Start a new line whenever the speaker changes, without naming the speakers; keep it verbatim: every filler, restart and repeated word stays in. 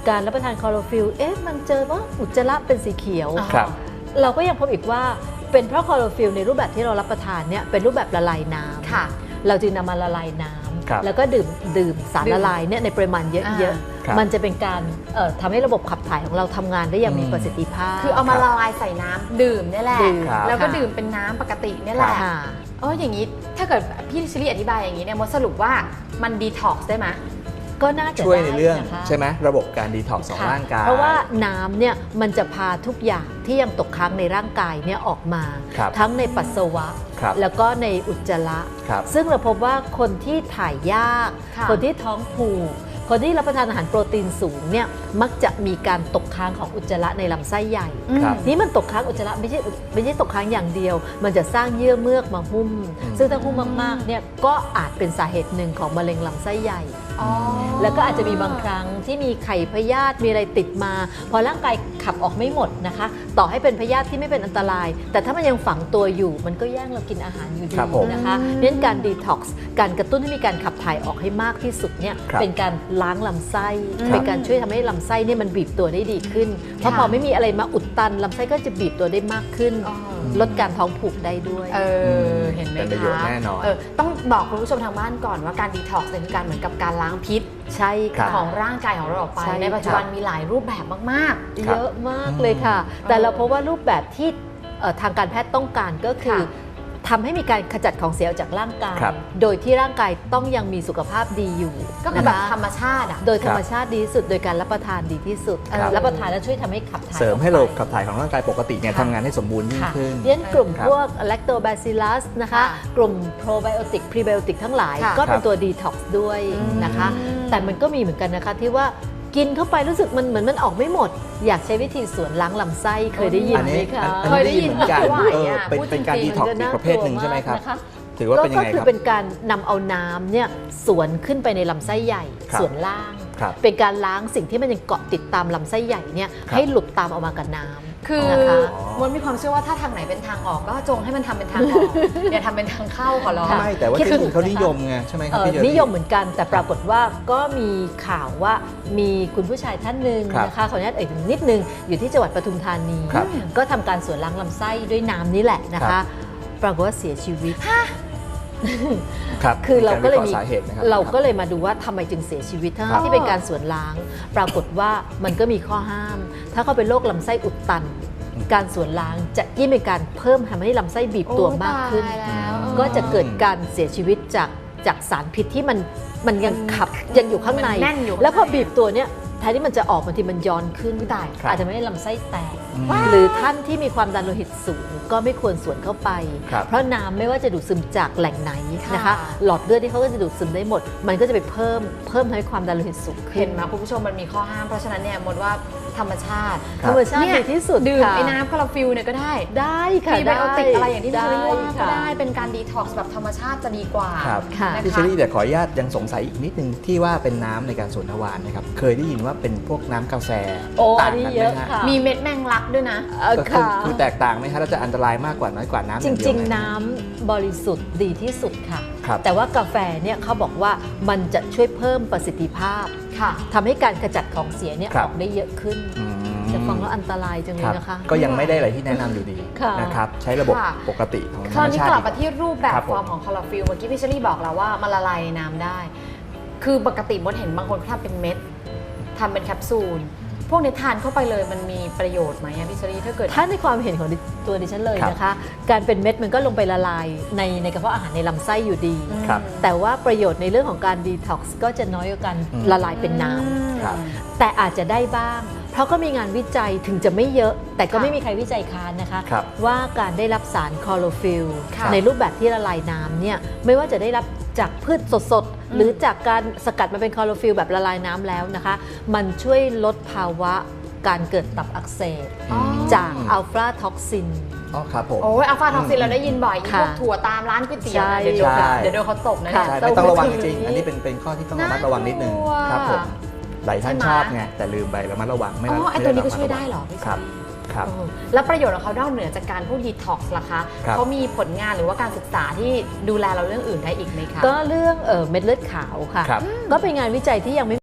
การรับประทานคลอโรฟิลเอ๊ะมันเจอว่าอุจจาระเป็นสีเขียว
ครับ
เราก็ยังพบอีกว่าเป็นเพราะคลอโรฟิลในรูปแบบที่เรารับประทานเนี่ยเป็นรูปแบบละลายน้ำ
ค่ะ
เราจึงนำมาละลายน้
ครับ
ำแล้วก็ดื่มดื่มสาร
ดื่ม
ละลายเนี่ยในปริมาณเยอะ
ครับ
ๆมันจะเป็นการเอ่อทำให้ระบบขับถ่ายของเราทำงานได้อย่างมี
อืม
ประสิทธิภาพ
คือเอามาละลายใส่น้ำดื่มเนี่ยแหละ
ดื่ม
แล้วก็
ค่ะ
ดื่มเป็นน้ำปกติเนี่ยแหละ
ค่ะ
เอออย่างนี้ถ้าเกิดพี่ชิลี่อธิบายอย่างนี้เนี่ยมดสรุปว่ามันดีท็อกซ์ได้ไหม
ก็น่าจะ
ช่วยในเรื่อง
ได้นะคะ
ใช่ไหมระบบการดีท็อกซ์ของ
ค่ะ
ร่างกาย
เพราะว่าน้ำเนี่ยมันจะพาทุกอย่างที่ยังตกค้างในร่างกายเนี่ยออกมา
ครับ
ทั้งในปัสสาวะ
ครับ
แล้วก็ในอุจจาระ
ครับ
ซึ่งเราพบว่าคนที่ถ่ายยาก
ค่ะ
คนที่ท้องผูกคนที่รับประทานอาหารโปรตีนสูงเนี่ยมักจะมีการตกค้างของอุจจาระในลำไส้ใหญ่
ครับ
นี่มันตกค้างอุจจาระไม่ใช่ไม่ใช่ตกค้างอย่างเดียว มันจะสร้างเยื่อเมือกมาหุ้ม
อืม
ซึ่งถ้าหุ้มมากๆเนี่ยก็อาจเป็นสาเหตุหนึ่งของมะเร็งลำไส้ใหญ่
อ๋อ
แล้วก็อาจจะมีบางครั้งที่มีไข่พยาธิมีอะไรติดมา พอร่างกายขับออกไม่หมดนะคะ ต่อให้เป็นพยาธิที่ไม่เป็นอันตราย แต่ถ้ามันยังฝังตัวอยู่ มันก็แย่งเรากินอาหารอยู่ดี
ครับผม
นะคะเน้นการดีท็อกซ์การกระตุ้นให้มีการขับถ่ายออกให้มากที่สุดเนี่ย
ครับ
เป็นการล้างลำไส้
ครับ
เป็นการช่วยทำให้ลำไส้เนี่ยมันบีบตัวได้ดีขึ้น เพราะพอไม่มีอะไรมาอุดตันลำไส้ก็จะบีบตัวได้มากขึ้น
อ๋อ
ลดการท้องผูกได้ด้วย
เออเห็นไหม
เป็นประโยชน์
คะ
แน่นอน
เออต้องบอกคุณผู้ชมทางบ้านก่อนว่าการดีท็อกซ์เนี่ยคือการเหมือนกับการล้างพิษ
ใช่ค่ะ
ของร่างกายของเราออกไป
ใช่
ในปัจจุบันมีหลายรูปแบบมาก
ครับ
เยอะมากเลยค่ะ แต่
เออ
เราพบว่ารูปแบบที่เอ่อทางการแพทย์ต้องการก็คือ
ค่ะ
ทำให้มีการขจัดของเสียออกจากร่างกาย
ครับ
โดยที่ร่างกายต้องยังมีสุขภาพดีอยู่
ๆ ก็คือแบบ
นะะ
ธรรมชาติอ่ะ
โดยธรรมชาติดีที่สุด โดยการรับประทานดีที่สุด
ครับ
รับประทานแล้วช่วยทำให้ขับถ่าย
เสริมให้
ออก
ระ
ไป
บบขับถ่ายของร่างกายปกติเนี่ย
ค่ะ
ทำงานให้สมบูรณ์ยิ่ง
ค่ะ
ขึ้น
เรียนกลุ่ม
ครับ
พวก lactobacillus นะคะ
ค่ะ
กลุ่ม probiotic prebiotic ทั้งหลาย
ค่ะ
ก็เป็น
ครับ
ตัว detox ด้วยนะคะ
อืม
แต่มันก็มีเหมือนกันนะคะที่ว่ากินเข้าไปรู้สึกมันเหมือนมันออกไม่หมด อยากใช้วิธีสวนล้างลำไส้เคยได้ยิน
อัน
ไหม
นี้
คะ
อัน
เคย
นี้
ได้
ได้
ยิ
ยิ
น
นเหมือนกัน
ไม่ไหว
เออ
อะ
เป็น
พูด
เป็นการ
จริ
ดี
งๆ
ท็อกซ์
มัน
อี
จะ
กประเภทหนึ่งใช่ไหมครับ
นะคะ
ถือว่าเป็นยังไง
ก็
ค
คื
รั
อบ เป็นการนำเอาน้ำเนี่ยสวนขึ้นไปในลำไส้ใหญ่
ครับ
ส่วนล่าง
ครับ
เป็นการล้างสิ่งที่มันยังเกาะติดตามลำไส้ใหญ่เนี่ย
ครับ
ให้หลุดตามออกมากับน้ำ
คือ
นะคะ
มดมีความเชื่อว่าถ้าทางไหนเป็นทางออกก็จงให้มันทำเป็นทางออก อย่าทำเป็นทางเข้าขอร้อง
ไม่แต่ว่า
คิด
ที่
ถู
อื่
ก
นเขา
นะคะ
นิยมไงใช่ไหมครับ
เอ่อ
พี่เจอรี่
นิยมเหมือนกันแต่ปรากฏว่าก็มีข่าวว่ามีคุณผู้ชายท่านหนึ่ง
ครับ
นะคะขออนุญาตเอ่ยถึงนิดนึงอยู่ที่จังหวัดปทุมธานี
ครับ
ก็ทำการสวนล้างลำไส้ด้วยน้ำนี่แหละนะ
ครั
คะ
บ
ปรากฏว่าเสียชีวิต
ครับ
คือเราก็เลย
มี
มี
สาเหตุนะครับ
เราก็เลยมาดูว่าทำไมจึงเสียชีวิตทั้ง
ครับ
ที่เป็นการสวนล้าง ปรากฏว่ามันก็มีข้อห้าม ถ้าเขาเป็นโรคลำไส้อุดตัน การสวนล้างจะยิ่งเป็นการเพิ่มทำให้ลำไส้บีบตัวมากขึ้น
โอ้ตายแล้ว
ก็จะเกิดการเสียชีวิตจากจากสารพิษที่มันมันยังขับยังอยู่ข้างใน
มันแน่นอยู่ข้างใน
แล้วพอบีบตัวเนี้ยแทนที่มันจะออกบางทีมันย้อนขึ้น
อุ๊ยตาย
ครับ
อาจจะไม่ได้ลำไส้แตก
อืม
หรือท่านที่มีความดันโลหิตสูงก็ไม่ควรสวนเข้าไป
ครับ
เพราะน้ำไม่ว่าจะดูดซึมจากแหล่งไหนนะคะ
ค่ะ
หลอดเลือดที่เขาก็จะดูดซึมได้หมด มันก็จะไปเพิ่มเพิ่มทำให้ความดันโลหิตสูงขึ้
เห็
น
นไหมคุณผู้ชมมันมีข้อห้ามเพราะฉะนั้นเนี่ยมดว่าธรรมชาติ
ครั
ธร
บ
รมชาติ
เนี่ย
ดีที่สุด
ดื่ม
ค่ะ
ไอ้น้ำคาราฟิลเนี่ยก็ได้
ได้ค่ะ
พรีไบโอติกอะไรอย่างที่พี่เชอรี่ว่าก็
ค่ะ
ได้เป็นการดีท็อกซ์แบบธรรมชาติจะดีกว่า
ครับ
ค่ะ
นะคะ
พี่เชอรี่แต่ขออนุญาตยังสงสัยอีกนิดนึงที่ว่าเป็นน้ำในการสวนทวารนะครับ เคยได้ยินว่าเป็นพวกน้ำกาแฟ
โอ้
ต่า
อั
ง
นนี้
กัน
เย
ไหม
อะ
ฮะ
ค่ะ
มีเม็ดแมงลักด้วยนะ
เอ่อ
ก็คือ
ค่ะ
คือแตกต่างไหมคะเราจะอันตรายมากกว่าน้อยกว่าน้ำอ
จ
ย่างเดียว
ริง
ไหม
ๆ น้ำบริสุทธิ์ดีที่สุดค่ะ
ครับ
แต่ว่ากาแฟเนี่ยเขาบอกว่ามันจะช่วยเพิ่มประสิทธิภาพ
ค่ะ
ทำให้การขจัดของเสียเนี่ย
ครั
อบ อกได้เยอะขึ้น
อืม
จะฟังแล้วอันตรายจังเล
ค
ย
รับ
นะคะ
ก็ยังไม่ได้อะไรที่แนะนำอยู่ดี
ค่ะ
นะครับใช้ระบบ
ค่ะ
ปกติของธ
ค
ร
ราร ว
ม
นี้
ชาติ
กลับมาที่รูปแบบ
ครับ
ฟอร์มของคลอโรฟิลเมื่อกี้พี่เชอรี่บอกแล้วว่ามันละลายในน้ำได้ คือปกติมดเห็นบางคนเขาทำเป็นเม็ดทำเป็นแคปซูล พวกนี้ทานเข้าไปเลยมันมีประโยชน์ไหมอะพี่เชอรี่ถ้าเกิด
ถ้าในความเห็นของดิตัวดิฉันเลย
ครับ
นะคะ การเป็นเม็ดมันก็ลงไปละลายในในกระเพาะอาหารในลำไส้อยู่ดี
อืม
ครับ
แต่ว่าประโยชน์ในเรื่องของการดีท็อกซ์ก็จะน้อยกว่าการ
อืม
ละลายเป็นน้ำ
ครับ
แต่อาจจะได้บ้าง เพราะก็มีงานวิจัยถึงจะไม่เยอะ แต่ก็
ค่ะ
ไม่มีใครวิจัยค้านนะคะ
ครับ
ว่าการได้รับสารคลอโรฟิล
ค่ะ
ในรูปแบบที่ละลายน้ำเนี่ยไม่ว่าจะได้รับจากพืชสดๆ หรือจากการสกัดมาเป็นคลอโรฟิลแบบละลายน้ำแล้วนะคะ มันช่วยลดภาวะการเกิดตับอักเสบ
อ๋อ
จากอัลฟาท็อกซิน
อ๋อครับผม
โอ้ยอัลฟาท็อกซินเราได้ยินบ่อยอี
ค่ะ
พวกถั่วตามร้านก๋วยเตี๋ยว
ใช่
นะเดี๋ยวโดน
ใช่
เดี๋ยวโดนเขาตบนะเนี่ย
ค่ะ
ใช่ไม่ต้องระวังจริง
เต้าหู้
ๆอันนี้เป็นเป็นข้อที่ต้องระมัด
น่ากลัว
ระวังนิดนึงครับผมหลายท่าน
ใช่ไหม
ชอบไงแต่ลืมไประมัดระวังไม่
อ๋อ
ระ
ไอ้
ม่
ตัวนี้ก็
ระมั
ช่วย
ระ
ได้เหรอพี่
ครับครับ
เออแล้วประโยชน์ของเขานอกเหนือจากการพวกดีท็อกซ์ล่ะคะ
ครับ
เขามีผลงานหรือว่าการศึกษาที่ดูแลเราเรื่องอื่นได้อีกไหมคะ
ก็เรื่องเอ่อเม็ดเลือดขาวค่ะ
ครับ
ก็เป็นงานวิจัยที่ยังไม่